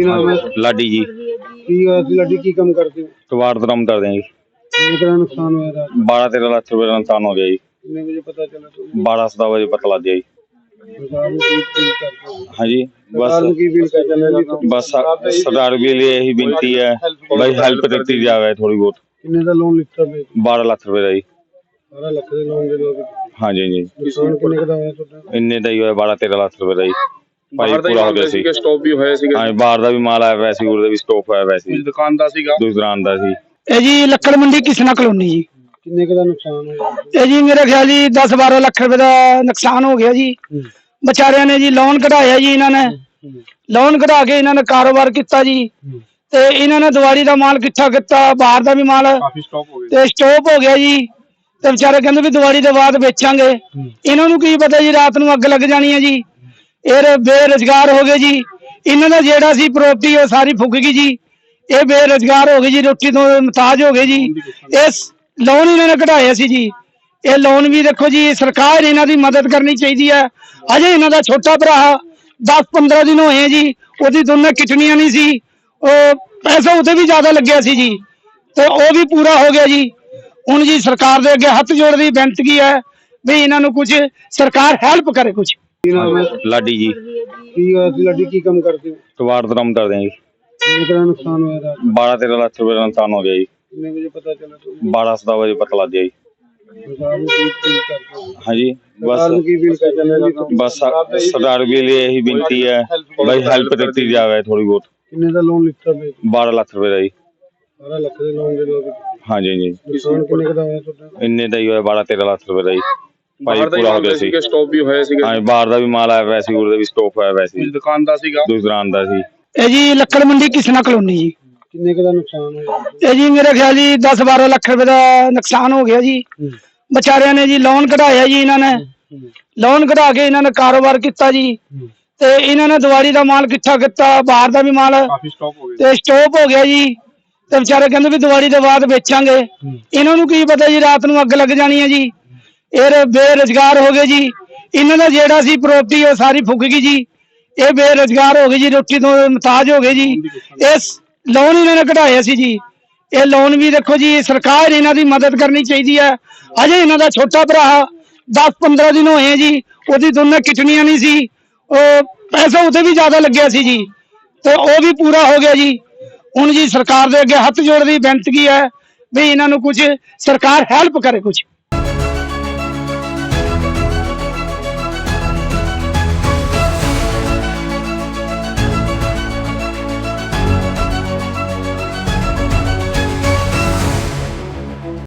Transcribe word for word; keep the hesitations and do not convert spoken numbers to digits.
नाम है? लाडी जी की होया सी लाडी, की काम करते हो? कबाड़ का काम करते हैं जी। कितने का नुकसान होया रात? बारह तेरह लाख रुपए का नुकसान हो गया जी। कितने बजे पता चला तुम्हें? बारह सत्रह बजे पता लग गया जी। सरकार को की अपील करते हो? हाँ जी, सरकार को बस की अपील करते हो? बस सरकार के लिए यही विनती है भाई हेल्प करती जाए थोड़ी बहुत। कितने का लोन लिखता है? बारह लाख रुपए का जी। बारह लाख का लोन दे दोगे? हाँ जी जी, नुकसान कितने का होया ਤੁਹਾਡਾ? ਇੰਨੇ ਦਾ ਹੀ ਹੋਇਆ ਬਾरह तेरह लाख रुपए ਦਾ ਜੀ। ਭਾਈ ਪੂਰਾ ਹੋ ਗਿਆ ਸੀ। ਸਟਾਪ ਵੀ ਹੋਇਆ ਸੀਗਾ। ਹਾਂ, ਬਾਹਰ ਦਾ ਵੀ ਮਾਲ ਆਇਆ ਵੈਸੇ ਹੀ, ਉਹਦਾ ਵੀ ਸਟਾਕ ਹੋਇਆ ਵੈਸੇ ਹੀ। ਦੁਕਾਨ ਦਾ ਸੀਗਾ, ਦੁਕਾਨ ਦਾ ਸੀ। ਇਹ ਜੀ ਲੱਕੜ ਮੰਡੀ ਕਿਸਨਾ ਕਲੋਨੀ ਜੀ। ਕਿੰਨੇ ਦਾ ਨੁਕਸਾਨ ਹੋਇਆ? ਇਹ ਜੀ ਮੇਰੇ ਖਿਆਲ ਜੀ दस बारह ਲੱਖ ਰੁਪਏ ਦਾ ਨੁਕਸਾਨ ਹੋ ਗਿਆ ਜੀ। ਵਿਚਾਰਿਆਂ ਨੇ ਜੀ ਲੋਨ ਕਢਾਇਆ ਜੀ, ਇਹਨਾਂ ਨੇ ਲੋਨ ਕਢਾ ਕੇ ਇਹਨਾਂ ਨੇ ਕਾਰੋਬਾਰ ਕੀਤਾ ਜੀ, ਤੇ ਇਹਨਾਂ ਨੇ ਦਿਵਾਲੀ ਦਾ ਮਾਲ ਇਕੱਠਾ ਕੀਤਾ, ਬਾਹਰ ਦਾ ਵੀ ਮਾਲ ਕਾਫੀ ਸਟਾਪ ਹੋ ਗਿਆ ਤੇ ਸਟਾਪ ਹੋ ਗਿਆ ਜੀ। ਤੇ ਵਿਚਾਰੇ ਕਹਿੰਦੇ ਵੀ ਦਿਵਾਲੀ ਦੇ ਬਾਅਦ ਵੇਚਾਂਗੇ। ਇਹਨਾਂ ਨੂੰ ਕੀ ਪਤਾ ਜੀ ਰਾਤ ਨੂੰ ਅੱਗ ਲੱਗ ਜਾਣੀ ਹੈ ਜੀ। ਇਹ ਬੇਰੁਜ਼ਗਾਰ ਹੋ ਗਏ ਜੀ। ਇਹਨਾਂ ਦਾ ਜਿਹੜਾ ਸੀ ਪ੍ਰਾਪਰਟੀ ਉਹ ਸਾਰੀ ਫੁੱਕ ਗਈ ਜੀ। ਇਹ ਬੇਰੁਜ਼ਗਾਰ ਹੋ ਗਏ ਜੀ, ਰੋਟੀ ਤੋਂ ਮੁਹਤਾਜ ਹੋ ਗਏ ਜੀ। ਇਸ ਲੋਨ ਇਹਨਾਂ ਨੇ ਕਢਾਇਆ ਸੀ ਜੀ। ਇਹ ਲੋਨ ਵੀ ਦੇਖੋ ਜੀ, ਸਰਕਾਰ ਨੇ ਇਹਨਾਂ ਦੀ ਮਦਦ ਕਰਨੀ ਚਾਹੀਦੀ ਹੈ। ਅਜੇ ਇਹਨਾਂ ਦਾ ਛੋਟਾ ਭਰਾ दस पंद्रह दिन होए जी, ਉਹਦੀ ਦੋਨੇ ਕਿਡਨੀਆਂ नहीं सी, पैसा उसे भी ज्यादा लग्या सी जी, तो वो भी पूरा हो गया जी। हुण जी सरकार दे अगे हथ जोड़ दी बेनती है भी इन्हां नूं कुछ सरकार हेल्प करे कुछ। लाडी जी की होया सी लाडी, की काम करते हो? कबाड़ का काम करते हैं जी। कितने का नुकसान होया रात? बारह तेरह लाख रुपए का नुकसान हो गया जी। कितने बजे पता चला तुम्हें? बारह सत्रह बजे पता लग गया जी। सरकार को की अपील करते हो? हाँ जी, सरकार को बस की अपील करते हो? बस सरकार के लिए यही विनती है भाई हेल्प करती जाए थोड़ी बहुत। कितने का लोन लिखता है? बारह लाख रुपए का जी। बारह लाख का लोन दे दोगे? हाँ जी जी, नुकसान कितने का होया ਤੁਹਾਡਾ? ਇੰਨੇ ਦਾ ਹੀ ਹੋਇਆ ਬਾरह तेरह लाख रुपए ਦਾ ਜੀ। ਭਾਈ ਬਾਹਰ ਦਾ ਪੂਰਾ ਹੋ ਗਿਆ ਸੀ। ਸਟਾਪ ਵੀ ਹੋਇਆ ਸੀਗਾ। ਹਾਂ, ਬਾਹਰ ਦਾ ਵੀ ਮਾਲ ਆਇਆ ਵੈਸੇ ਹੀ, ਉਹਦਾ ਵੀ ਸਟਾਕ ਹੋਇਆ ਵੈਸੇ ਹੀ। ਦੁਕਾਨ ਦਾ ਸੀਗਾ, ਦੁਕਾਨ ਦਾ ਸੀ। ਇਹ ਜੀ ਲੱਕੜ ਮੰਡੀ ਕਿਸਨਾ ਕਲੋਨੀ ਜੀ। ਕਿੰਨੇ ਦਾ ਨੁਕਸਾਨ ਹੋਇਆ? ਇਹ ਜੀ ਮੇਰੇ ਖਿਆਲ ਜੀ दस बारह ਲੱਖ ਰੁਪਏ ਦਾ ਨੁਕਸਾਨ ਹੋ ਗਿਆ ਜੀ। ਵਿਚਾਰਿਆਂ ਨੇ ਜੀ ਲੋਨ ਕਢਾਇਆ ਜੀ, ਇਹਨਾਂ ਨੇ ਲੋਨ ਕਢਾ ਕੇ ਇਹਨਾਂ ਨੇ ਕਾਰੋਬਾਰ ਕੀਤਾ ਜੀ, ਤੇ ਇਹਨਾਂ ਨੇ ਦਿਵਾਲੀ ਦਾ ਮਾਲ ਇਕੱਠਾ ਕੀਤਾ, ਬਾਹਰ ਦਾ ਵੀ ਮਾਲ ਕਾਫੀ ਸਟਾਪ ਹੋ ਗਿਆ ਤੇ ਸਟਾਪ ਹੋ ਗਿਆ ਜੀ। ਤੇ ਵਿਚਾਰੇ ਕਹਿੰਦੇ ਵੀ ਦਿਵਾਲੀ ਦੇ ਬਾਅਦ ਵੇਚਾਂਗੇ। ਇਹਨਾਂ ਨੂੰ ਕੀ ਪਤਾ ਜੀ ਰਾਤ ਨੂੰ ਅੱਗ ਲੱਗ ਜਾਣੀ ਹੈ ਜੀ। ਇਹ ਬੇਰੁਜ਼ਗਾਰ ਹੋ ਗਏ ਜੀ। ਇਹਨਾਂ ਦਾ ਜਿਹੜਾ ਸੀ ਪ੍ਰਾਪਰਟੀ ਉਹ ਸਾਰੀ ਫੁੱਕ ਗਈ ਜੀ। ਇਹ ਬੇਰੁਜ਼ਗਾਰ ਹੋ ਗਏ ਜੀ, ਰੋਟੀ ਤੋਂ ਮੁਹਤਾਜ ਹੋ ਗਏ ਜੀ। ਇਸ ਲੋਨ ਇਹਨਾਂ ਨੇ ਕਢਾਇਆ ਸੀ ਜੀ। ਇਹ ਲੋਨ ਵੀ ਦੇਖੋ ਜੀ, ਸਰਕਾਰ ਨੇ ਇਹਨਾਂ ਦੀ ਮਦਦ ਕਰਨੀ ਚਾਹੀਦੀ ਹੈ। ਅਜੇ ਇਹਨਾਂ ਦਾ ਛੋਟਾ ਭਰਾ दस पंद्रह दिन होए जी, ਉਹਦੀ ਦੋਨੇ ਕਿਡਨੀਆਂ नहीं सी, पैसा उसे भी ज्यादा लग्या सी जी, तो वो भी पूरा हो गया जी। हुण जी सरकार दे अगे हथ जोड़ दी बेनती है भी इन्हां नूं कुछ सरकार हेल्प करे कुछ।